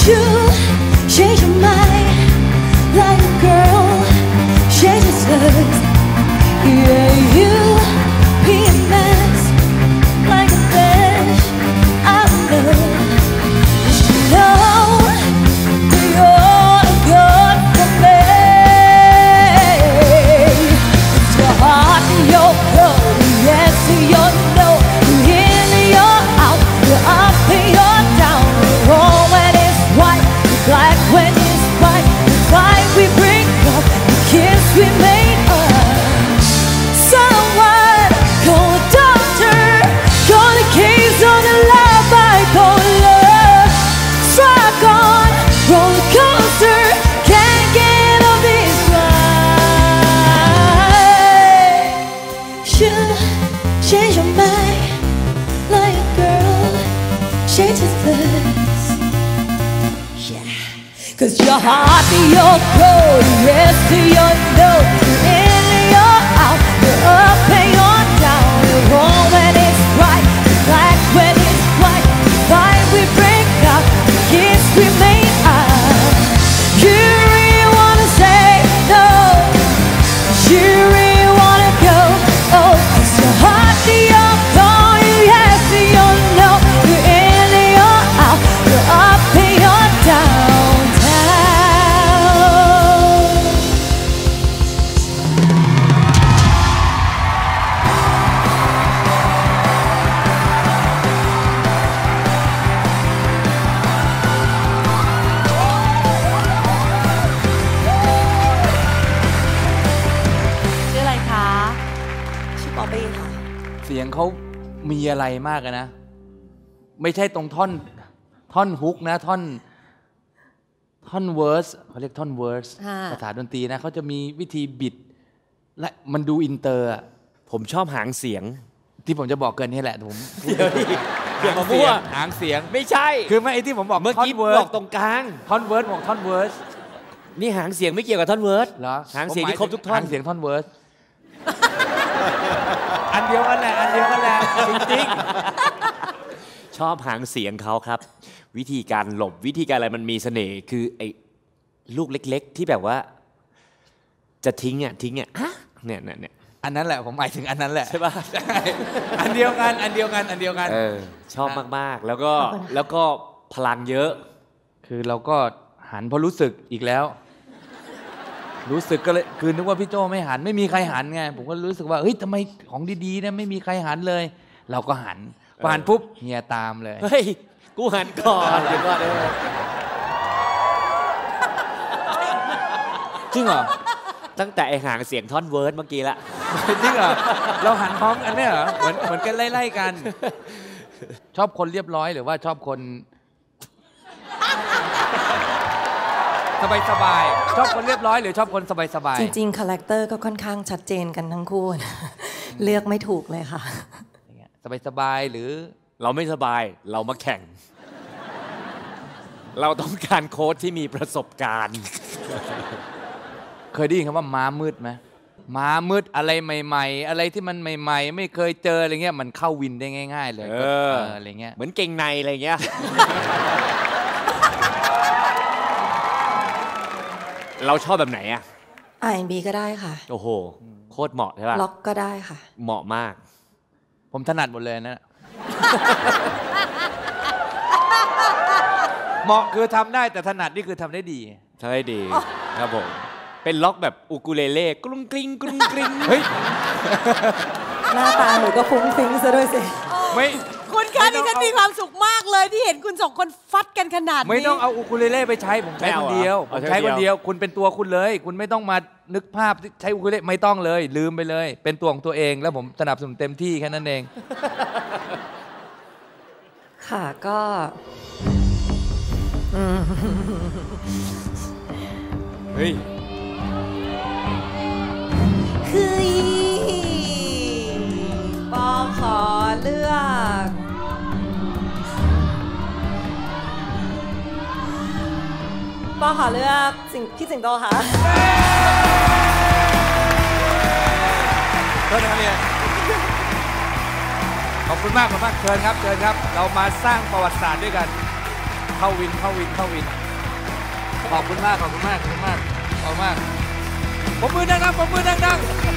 You change your mind like a girl changes hers. Yeah, you be a mess like a fish out of love. You know you're good for me. It's your heart and your cold, yes and your no. You're in and you're out, you're up and you're down. You're wrong when it's white, you're black when it's white. The fight we bring up, the kiss we made up. Someone call a doctor, call the keys on the love bipolar. Struck on roller coaster, can't get off this ride. You change your mind like a girl changes hers. Yeah, 'cause your heart and your cold, yes to your no. You're in and you're out, you're up and you're down. You're wrong when it's right, you're black when it's white. The fight we break up, the kiss we made up. You really wanna say no, you really wanna go. Oh, 'cause your heart and your cold, yes and your no. You're in and you're out, you're up and you're downtown. ชื่ออะไรคะ ชื่อป๊อปปี้ค่ะเสียงเขามีอะไรมากนะไม่ใช่ตรงท่อนฮุกนะท่อนเวิร์สเขาเรียกท่อนเวิร์สภาษาดนตรีนะเขาจะมีวิธีบิดและมันดูอินเตอร์ผมชอบหางเสียงที่ผมจะบอกเกินนี่แหละผมเดี๋ยวมามั่วหางเสียงไม่ใช่คือไม่ไอ้ที่ผมบอกเมื่อกี้บอกตรงกลางท่อนเวิร์สบอกท่อนเวิร์สนี่หางเสียงไม่เกี่ยวกับท่อนเวิร์สเหรอหางเสียงที่ครบทุกท่อนหางเสียงท่อนเวิร์สอันเดียวกันแหละอันเดียวกันแหละจริงๆชอบหางเสียงเขาครับวิธีการหลบวิธีการอะไรมันมีเสน่ห์คือไอ้ลูกเล็กๆที่แบบว่าจะทิ้งเนี่ยอันนั้นแหละผมหมายถึงอันนั้นแหละใช่ป่ะอันเดียวกันชอบมากๆแล้วก็พลังเยอะคือเราก็หันเพราะรู้สึกอีกแล้วรู้สึกก็เลยคือนึกว่าพี่โจไม่หันไม่มีใครหันไงผมก็รู้สึกว่าเฮ้ยทำไมของดีๆนะไม่มีใครหันเลยเราก็หันพอหันปุ๊บเฮียตามเลยเฮ้ยกูหันก่อนเดี๋ยวก่อนจริงเหรอตั้งแต่ไอ้หางเสียงท่อนเวิร์ดเมื่อกี้ละจริงเหรอเราหันพร้อมกันเนี่ยเหรอเหมือนกันไล่ๆกันชอบคนเรียบร้อยหรือว่าชอบคนสบายๆชอบคนเรียบร้อยหรือชอบคนสบายๆจริงๆคาแรคเตอร์ก็ค่อนข้างชัดเจนกันทั้งคู่เลือกไม่ถูกเลยค่ะสบายๆหรือเราไม่สบายเรามาแข่งเราต้องการโค้ชที่มีประสบการณ์เคยได้ยินคำว่าม้ามืดไหมม้ามืดอะไรใหม่ๆอะไรที่มันใหม่ๆไม่เคยเจออะไรเงี้ยมันเข้าวินได้ง่ายๆเลยอะไรเงี้ยเหมือนเก่งในอะไรเงี้ยเราชอบแบบไหนอะ R&B ก็ได้ค่ะโอ้โหโคตรเหมาะใช่ป่ะล็อกก็ได้ค่ะเหมาะมากผมถนัดหมดเลยนะเหมาะคือทำได้แต่ถนัดนี่คือทำได้ดีครับผมเป็นล็อกแบบอูกูเลเล่กรุ้งกริ้งเฮ้ยหน้าตาหนูก็ฟุ้งฟิ้งซะด้วยสิไม่คุณคะดิฉันมีความสุขมากเลยที่เห็นคุณสองคนฟัดกันขนาดนี้ไม่ต้องเอาอูคูเลเล่ไปใช้ผมใช้คนเดียวคุณเป็นตัวคุณเลยคุณไม่ต้องมานึกภาพใช้อูคูเลเล่ไม่ต้องเลยลืมไปเลยเป็นตัวของตัวเองแล้วผมสนับสนุนเต็มที่แค่นั้นเองค่ะก็เฮ้ยคือปอขอเลือกพี่สิงโตค่ะโทษนะครับเนี่ยขอบคุณมากเชิญครับเรามาสร้างประวัติศาสตร์ด้วยกันเข้าวินขอบคุณมากขอบคุณมากปรบมือดังๆ